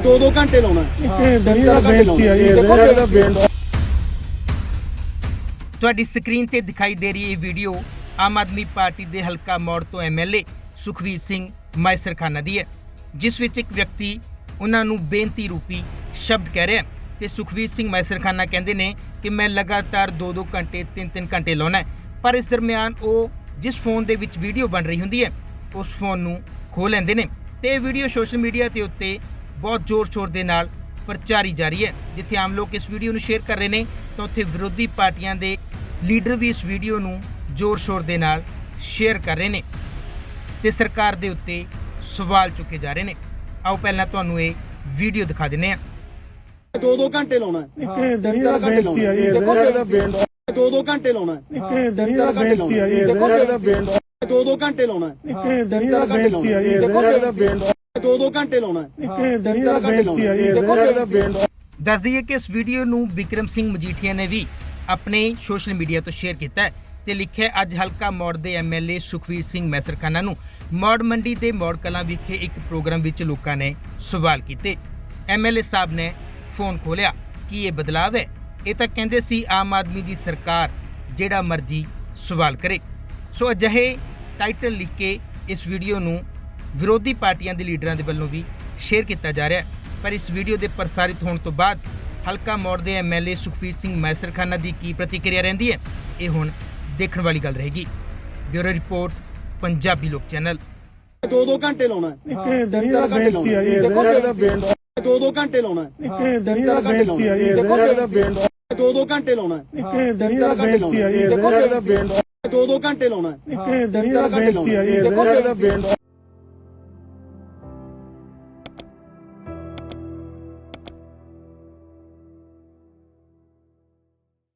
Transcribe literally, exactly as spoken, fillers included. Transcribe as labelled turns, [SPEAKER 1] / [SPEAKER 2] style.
[SPEAKER 1] ਦੋ ਦੋ ਘੰਟੇ ਲਾਉਣਾ
[SPEAKER 2] ਇਹ ਦਰਿਆ ਬੇਨਤੀ ਆ ਜੀ ਇਹਦਾ ਬੇਨਤੀ।
[SPEAKER 3] ਤੁਹਾਡੀ ਸਕਰੀਨ ਤੇ ਦਿਖਾਈ ਦੇ ਰਹੀ ਇਹ ਵੀਡੀਓ ਆਮ ਆਦਮੀ ਪਾਰਟੀ ਦੇ ਹਲਕਾ ਮੌੜ ਤੋਂ ਐਮਐਲਏ ਸੁਖਵੀਰ ਸਿੰਘ ਮਾਇਸਰਖਾਨਾ ਦੀ ਹੈ, ਜਿਸ ਵਿੱਚ ਇੱਕ ਵਿਅਕਤੀ ਉਹਨਾਂ ਨੂੰ ਬੇਨਤੀ ਰੂਪੀ ਸ਼ਬਦ ਕਹਿ ਰਿਹਾ ਤੇ ਸੁਖਵੀਰ ਸਿੰਘ ਮਾਇਸਰਖਾਨਾ ਕਹਿੰਦੇ ਨੇ ਕਿ ਮੈਂ ਲਗਾਤਾਰ ਦੋ ਦੋ ਘੰਟੇ ਤਿੰਨ ਤਿੰਨ ਘੰਟੇ ਲਾਉਣਾ ਹੈ, ਪਰ ਇਸ ਦਰਮਿਆਨ ਉਹ ਜਿਸ ਫੋਨ ਦੇ ਵਿੱਚ ਵੀਡੀਓ ਬਣ ਰਹੀ ਹੁੰਦੀ ਹੈ ਉਸ ਫੋਨ ਨੂੰ ਖੋਹ ਲੈਂਦੇ ਨੇ ਤੇ ਇਹ ਵੀਡੀਓ ਸੋਸ਼ਲ ਮੀਡੀਆ ਤੇ ਉੱਤੇ ਬਹੁਤ ਜ਼ੋਰ ਸ਼ੋਰ ਦੇ ਨਾਲ ਪ੍ਰਚਾਰੀ ਜਾ ਰਹੀ ਹੈ। ਜਿੱਥੇ ਆਮ ਲੋਕ ਇਸ ਵੀਡੀਓ ਨੂੰ ਸ਼ੇਅਰ ਕਰ ਰਹੇ ਨੇ ਤਾਂ ਉੱਥੇ ਵਿਰੋਧੀ ਪਾਰਟੀਆਂ ਦੇ ਲੀਡਰ ਵੀ ਇਸ ਵੀਡੀਓ ਨੂੰ ਜ਼ੋਰ ਸ਼ੋਰ ਦੇ ਨਾਲ ਸ਼ੇਅਰ ਕਰ ਰਹੇ ਨੇ ਤੇ ਸਰਕਾਰ ਦੇ ਉੱਤੇ ਸਵਾਲ ਚੁੱਕੇ ਜਾ ਰਹੇ ਨੇ। ਆਓ ਪਹਿਲਾਂ ਤੁਹਾਨੂੰ ਇਹ ਵੀਡੀਓ ਦਿਖਾ ਦਿੰਦੇ ਹਾਂ।
[SPEAKER 1] ਦੋ ਦੋ ਘੰਟੇ ਲਾਉਣਾ
[SPEAKER 2] ਇਹ ਦਰਿਆ ਬੇਨਤੀ ਆ ਜੀ ਇਹਦਾ ਬੇਨਤੀ।
[SPEAKER 1] ਦੋ ਦੋ ਘੰਟੇ ਲਾਉਣਾ
[SPEAKER 2] ਇਹ ਦਰਿਆ ਬੇਨਤੀ ਆ ਜੀ ਇਹਦਾ ਬੇਨਤੀ।
[SPEAKER 1] ਦੋ ਦੋ ਘੰਟੇ ਲਾਉਣਾ
[SPEAKER 2] ਇਹ ਦਰਿਆ ਬੇਨਤੀ ਆ ਜੀ ਇਹਦਾ ਬੇਨਤੀ।
[SPEAKER 1] ਦੋ ਦੋ ਘੰਟੇ ਲਾਉਣਾ
[SPEAKER 2] ਇਹ ਦਰਿਆ ਬੇਨਤੀ ਆ ਜੀ ਇਹਦਾ ਬੇਨਤੀ।
[SPEAKER 3] ਦੱਸ ਦਈਏ ਕਿ ਇਸ ਵੀਡੀਓ ਨੂੰ ਬਿਕਰਮ ਸਿੰਘ ਮਜੀਠੀਆ ਨੇ ਵੀ ਆਪਣੇ ਸੋਸ਼ਲ ਮੀਡੀਆ ਤੋਂ ਸ਼ੇਅਰ ਕੀਤਾ ਹੈ ਤੇ ਲਿਖਿਆ ਅੱਜ ਹਲਕਾ ਮੌੜ ਦੇ ਐਮਐਲਏ ਸੁਖਵੀਰ ਸਿੰਘ ਮਾਇਸਰਖਾਨਾ ਨੂੰ ਮੌੜ ਮੰਡੀ ਦੇ ਮੌੜ ਕਲਾਂ ਵਿਖੇ ਇੱਕ ਪ੍ਰੋਗਰਾਮ ਵਿੱਚ ਲੋਕਾਂ ਨੇ ਸਵਾਲ ਕੀਤੇ। ਐਮਐਲਏ ਸਾਹਿਬ ਨੇ ਫੋਨ ਖੋਲਿਆ ਕਿ ਇਹ ਬਦਲਾਵ ਹੈ, ਇਹ ਤਾਂ ਕਹਿੰਦੇ ਸੀ ਆਮ ਆਦਮੀ ਦੀ ਸਰਕਾਰ ਜਿਹੜਾ ਮਰਜ਼ੀ ਸਵਾਲ ਕਰੇ। ਸੋ ਅਜਿਹੇ ਟਾਈਟਲ ਲਿਖ ਕੇ ਇਸ ਵੀਡੀਓ ਨੂੰ ਵਿਰੋਧੀ ਪਾਰਟੀਆਂ ਦੇ ਲੀਡਰਾਂ ਦੇ ਵੱਲੋਂ ਵੀ ਸ਼ੇਅਰ ਕੀਤਾ ਜਾ ਰਿਹਾ ਹੈ, ਪਰ ਇਸ ਵੀਡੀਓ ਦੇ ਪ੍ਰਸਾਰਿਤ ਹੋਣ ਤੋਂ ਬਾਅਦ ਹਲਕਾ ਮੌੜ ਦੇ ਐਮਐਲਏ ਸੁਖਵੀਰ ਸਿੰਘ ਮਾਇਸਰਖਾਨਾ ਦੀ ਕੀ ਪ੍ਰਤੀਕਿਰਿਆ ਰਹਿੰਦੀ ਹੈ ਇਹ ਹੁਣ ਦੇਖਣ ਵਾਲੀ ਗੱਲ ਰਹੇਗੀ। ਬਿਊਰੋ ਰਿਪੋਰਟ ਪੰਜਾਬੀ ਲੋਕ ਚੈਨਲ।
[SPEAKER 1] ਦੋ ਦੋ ਘੰਟੇ ਲਾਉਣਾ
[SPEAKER 2] ਇਹ ਦਰਿਆ ਬੇਨਤੀ ਆ ਜੀ ਇਹਦਾ ਬੇਨਤੀ।
[SPEAKER 1] ਦੋ ਦੋ ਘੰਟੇ ਲਾਉਣਾ
[SPEAKER 2] ਇਹ ਦਰਿਆ ਬੇਨਤੀ ਆ ਜੀ ਇਹਦਾ ਬੇਨਤੀ।
[SPEAKER 1] ਦੋ ਦੋ ਘੰਟੇ ਲਾਉਣਾ
[SPEAKER 2] ਇਹ ਦਰਿਆ ਬੇਨਤੀ ਆ ਜੀ ਇਹਦਾ ਬੇਨਤੀ।
[SPEAKER 1] ਦੋ ਦੋ ਘੰਟੇ ਲਾਉਣਾ
[SPEAKER 2] ਇਹ ਦਰਿਆ ਬੇਨਤੀ ਆ ਜੀ ਇਹਦਾ ਬੇਨਤੀ।